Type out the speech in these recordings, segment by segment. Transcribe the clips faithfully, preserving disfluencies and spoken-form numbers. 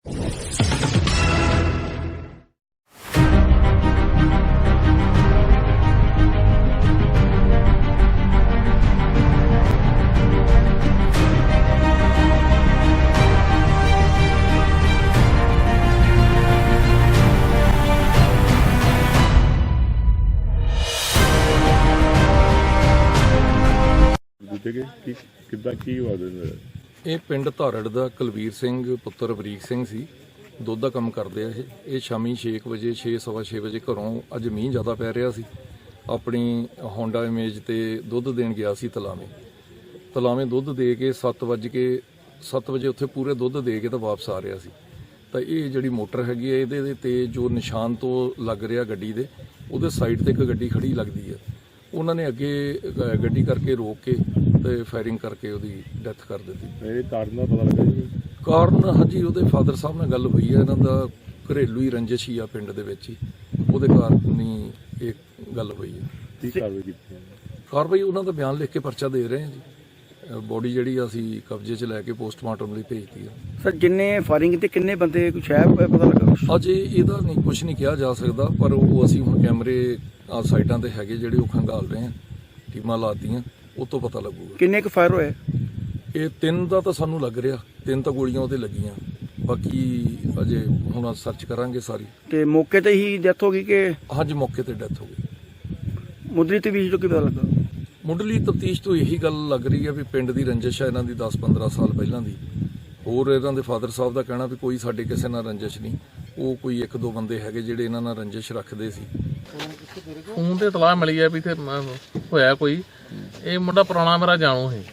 ਕਿੱਦਾਂ ਕੀ ਹੋਇਆ? ਇਹ ਪਿੰਡ ਧਾਰੜ ਦਾ ਕੁਲਵੀਰ ਸਿੰਘ ਪੁੱਤਰ ਬਰੀਕ ਸਿੰਘ ਸੀ। ਦੁੱਧ ਦਾ ਕੰਮ ਕਰਦੇ ਆ ਇਹ ਇਹ ਸ਼ਾਮੀ ਛੇ ਕੁ ਵਜੇ ਛੇ ਸਵਾ ਛੇ ਵਜੇ ਘਰੋਂ, ਅੱਜ ਮੀਂਹ ਜ਼ਿਆਦਾ ਪੈ ਰਿਹਾ ਸੀ, ਆਪਣੀ ਹੋਂਡਾ ਇਮੇਜ ਤੇ ਦੁੱਧ ਦੇਣ ਗਿਆ ਸੀ ਤਲਾਵੇਂ ਤਲਾਵੇਂ ਦੁੱਧ ਦੇ ਕੇ ਸੱਤ ਵੱਜ ਕੇ ਸੱਤ ਵਜੇ ਉੱਥੇ ਪੂਰੇ ਦੁੱਧ ਦੇ ਕੇ ਤਾਂ ਵਾਪਸ ਆ ਰਿਹਾ ਸੀ। ਤਾਂ ਇਹ ਜਿਹੜੀ ਮੋਟਰ ਹੈਗੀ ਹੈ ਇਹਦੇ ਤੇ ਜੋ ਨਿਸ਼ਾਨ ਤੋਂ ਲੱਗ ਰਿਹਾ ਗੱਡੀ ਦੇ, ਉਹਦੇ ਸਾਈਡ ਤੇ ਇੱਕ ਗੱਡੀ ਖੜੀ ਲੱਗਦੀ ਹੈ। ਉਹਨਾਂ ਨੇ ਅੱਗੇ ਗੱਡੀ ਕਰਕੇ ਰੋਕ ਕੇ ਤੇ ਫਾਇਰਿੰਗ ਕਰਕੇ ਉਹਦੀ ਡੈਥ ਕਰ ਦਿੱਤੀ। ਇਹ ਕਾਰਨ ਦਾ ਪਤਾ ਲੱਗਾ ਜੀ? ਕਾਰਨ ਹਾਂਜੀ ਉਹਦੇ ਫਾਦਰ ਸਾਹਿਬ ਨਾਲ ਗੱਲ ਹੋਈ ਹੈ, ਇਹਨਾਂ ਦਾ ਘਰੇਲੂ ਹੀ ਰੰਜਿਸ਼ ਹੀ ਆ ਪਿੰਡ ਦੇ ਵਿੱਚ ਹੀ, ਉਹਦੇ ਕਾਰਨ ਹੀ ਇਹ ਗੱਲ ਹੋਈ ਹੈ। ਕੀ ਕਾਰਵਾਈ ਕੀਤੀ ਹੈ? ਕਾਰਵਾਈ ਉਹਨਾਂ ਦਾ ਬਿਆਨ ਲਿਖ ਕੇ ਪਰਚਾ ਦੇ ਰਹੇ ਹਾਂ ਜੀ। ਬੋਡੀ ਜਿਹੜੀ ਅਸੀਂ ਕਬਜ਼ੇ 'ਚ ਲੈ ਕੇ ਪੋਸਟਮਾਰਟਮ ਲਈ ਭੇਜਤੀ ਹੈ। ਸਰ ਜਿੰਨੇ ਫਾਇਰਿੰਗ ਤੇ ਕਿੰਨੇ ਬੰਦੇ ਕੁਛ ਹੈ ਪਤਾ ਲੱਗਾ? ਅਜੇ ਇਹਦਾ ਨਹੀਂ ਕੁਝ ਨਹੀਂ ਕਿਹਾ ਜਾ ਸਕਦਾ, ਪਰ ਉਹ ਅਸੀਂ ਹੁਣ ਕੈਮਰੇ ਆ ਸਾਈਡਾਂ ਤੇ ਹੈਗੇ ਜਿਹੜੇ ਉਹ ਖੰਗਾਲ ਰਹੇ ਹਾਂ, ਟੀਮਾਂ ਲਾਤੀਆਂ, ਉਹ ਤੋਂ ਪਤਾ ਲੱਗੂਗਾ। ਕਿੰਨੇ ਕੁ ਫਾਇਰ ਹੋਏ? ਇਹ ਤਿੰਨ ਦਾ ਤਾਂ ਸਾਨੂੰ ਲੱਗ ਰਿਹਾ, ਤਿੰਨ ਤਾਂ ਗੋਲੀਆਂ ਉਹਦੇ ਲੱਗੀਆਂ, ਬਾਕੀ ਅਜੇ ਹੁਣ ਸਰਚ ਕਰਾਂਗੇ ਸਾਰੀ। ਤੇ ਮੌਕੇ ਤੇ ਹੀ ਡੈਥ ਹੋ ਗਈ ਕਿ? ਹਾਂਜੀ ਮੌਕੇ ਤੇ ਡੈਥ ਹੋ ਗਈ। ਮੁੱਢਲੀ ਤਫਤੀਸ਼ ਤੋਂ ਕੀ ਪਤਾ ਲੱਗਾ? ਮੁੱਢਲੀ ਤਫਤੀਸ਼ ਤੋਂ ਇਹੀ ਗੱਲ ਲੱਗ ਰਹੀ ਹੈ ਵੀ ਪਿੰਡ ਦੀ ਰੰਜਿਸ਼ ਹੈ ਇਹਨਾਂ ਦੀ ਦਸ ਪੰਦਰਾਂ ਸਾਲ ਪਹਿਲਾਂ ਦੀ। ਹੋਰ ਇਹਨਾਂ ਦੇ ਫਾਦਰ ਸਾਹਿਬ ਦਾ ਕਹਿਣਾ ਵੀ ਕੋਈ ਸਾਡੇ ਕਿਸੇ ਨਾਲ ਰੰਜਿਸ਼ ਨਹੀਂ, ਉਹ ਕੋਈ ਇੱਕ ਦੋ ਬੰਦੇ ਹੈਗੇ ਜਿਹੜੇ ਇਹਨਾਂ ਨਾਲ ਰੰਜਿਸ਼ ਰੱਖਦੇ ਸੀ। ਫੋਨ ਤੇ ਇਤਲਾਹ ਮਿਲੀ ਹੈ ਵੀ ਇੱਥੇ ਹੋਇਆ ਕੋਈ, ਇਹ ਮੁੰਡਾ ਪੁਰਾਣਾ ਮੇਰਾ ਜਾਣੂ ਹੈ,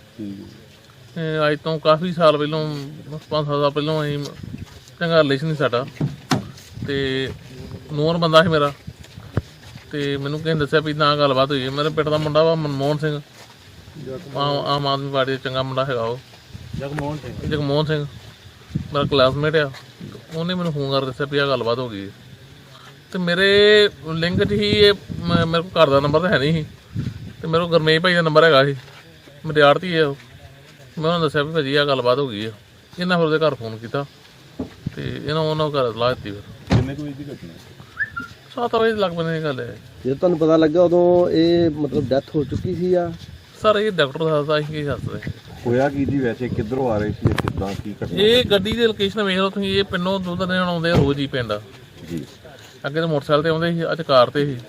ਅੱਜ ਤੋਂ ਕਾਫੀ ਸਾਲ ਪਹਿਲਾਂ ਪੰਜ ਸੱਤ ਸਾਲ ਪਹਿਲਾਂ ਅਸੀਂ ਚੰਗਾ ਰਿਲੇਸ਼ਨ ਸੀ ਸਾਡਾ, ਤੇ ਨੂਰ ਬੰਦਾ ਸੀ ਮੇਰਾ, ਤੇ ਮੈਨੂੰ ਕਿਸੇ ਨੇ ਦੱਸਿਆ ਵੀ ਨਾ ਗੱਲਬਾਤ ਹੋਈ। ਮੇਰੇ ਪਿੰਡ ਦਾ ਮੁੰਡਾ ਵਾ ਮਨਮੋਹਨ ਸਿੰਘ, ਆਮ ਆਦਮੀ ਪਾਰਟੀ ਦਾ ਚੰਗਾ ਮੁੰਡਾ ਹੈਗਾ ਉਹ, ਜਗਮੋਹਨ ਸਿੰਘ ਜਗਮੋਹਨ ਸਿੰਘ ਮੇਰਾ ਕਲਾਸਮੇਟ ਆ। ਉਹਨੇ ਮੈਨੂੰ ਫੋਨ ਕਰ ਦੱਸਿਆ ਵੀ ਆਹ ਗੱਲਬਾਤ ਹੋ ਗਈ, ਤੇ ਮੇਰੇ ਲਿੰਕ 'ਚ ਹੀ ਇਹ ਮੇਰੇ ਕੋਲ ਘਰ ਦਾ ਨੰਬਰ ਤਾਂ ਹੈ ਨਹੀਂ ਸੀ, ਤੇ ਮੇਰੇ ਕੋਲ ਗੁਰਮੇਸ਼ ਭਾਈ ਦਾ ਨੰਬਰ ਹੈਗਾ ਸੀ, ਮੇਰੇ ਆੜਤੀ ਹੈ ਉਹ। ਮੈਂ ਉਹਨਾਂ ਦੱਸਿਆ ਵੀ ਭਾਜੀ ਆਹ ਗੱਲਬਾਤ ਹੋ ਗਈ ਆ। ਇਹਨਾਂ ਫਿਰ ਉਹਦੇ ਘਰ ਫੋਨ ਕੀਤਾ ਤੇ ਇਹਨਾਂ ਉਹਨਾਂ ਘਰ ਸਲਾਹ ਦਿੱਤੀ। ਫਿਰ ਕਿੰਨੇ ਕੁ ਵਜੇ ਦੀ ਘਟਨਾ? ਸੱਤ ਵਜੇ ਲੱਗ ਪੈਂਦੇ ਗੱਲ ਹੈ। ਜਦੋਂ ਤੁਹਾਨੂੰ ਪਤਾ ਲੱਗਾ ਉਦੋਂ ਇਹ ਮਤਲਬ ਡੈਥ ਹੋ ਚੁੱਕੀ ਸੀ ਆ? ਸਰ ਇਹ ਡਾਕਟਰ ਦੱਸਦਾ, ਅਸੀਂ ਕੀ ਦੱਸਦੇ। ਹੋਇਆ ਕੀ ਜੀ ਵੈਸੇ, ਕਿੱਧਰੋਂ ਆ ਰਹੇ ਸੀ, ਕਿੱਦਾਂ ਕੀ ਘਟਨਾ? ਇਹ ਗੱਡੀ ਦੀ ਲੋਕੇਸ਼ਨ ਵੇਖ ਲਓ ਤੁਸੀਂ, ਇਹ ਪਿੰਡੋਂ ਦੁੱਧ ਦੇਣ ਆਉਂਦੇ ਆ ਰੋਜ਼ ਹੀ ਪਿੰਡ ਜੀ। ਅੱਗੇ ਤਾਂ ਮੋਟਰਸਾਈਕਲ ਤੇ ਆਉਂਦੇ ਸੀ, ਅੱਜ ਕਾਰ ਤੇ ਸੀ,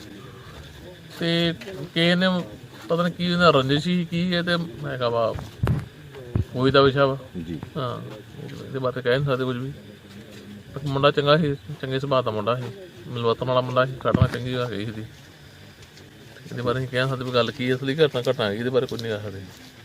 ਤੇ ਕਿਸੇ ਨੇ ਪਤਾ ਨਹੀਂ ਕੀ ਇਹਨਾਂ ਰੰਜਿਸ਼ ਸੀ ਕੀ ਇਹ ਤੇ ਹੈਗਾ ਵਾ ਕੋਈ ਦਾ ਵਿਸ਼ਾ ਵਾ ਜੀ। ਹਾਂ ਇਹਦੇ ਬਾਰੇ ਕਹਿ ਨਹੀਂ ਸਕਦੇ ਕੁਝ ਵੀ। ਮੁੰਡਾ ਚੰਗਾ ਸੀ, ਚੰਗੇ ਸੁਭਾਅ ਦਾ ਮੁੰਡਾ ਸੀ, ਮਿਲਵਰਤਨ ਵਾਲਾ ਮੁੰਡਾ ਸੀ, ਘਟਨਾ ਚੰਗੀ ਹੈਗੀ ਸੀ। ਇਹਦੇ ਬਾਰੇ ਅਸੀਂ ਕਹਿ ਸਕਦੇ ਵੀ ਗੱਲ ਕੀ ਅਸਲੀ ਘਟਨਾ ਘਟਨਾ ਇਹਦੇ ਬਾਰੇ ਕੁਝ ਨਹੀਂ ਕਹਿ ਸਕਦੇ।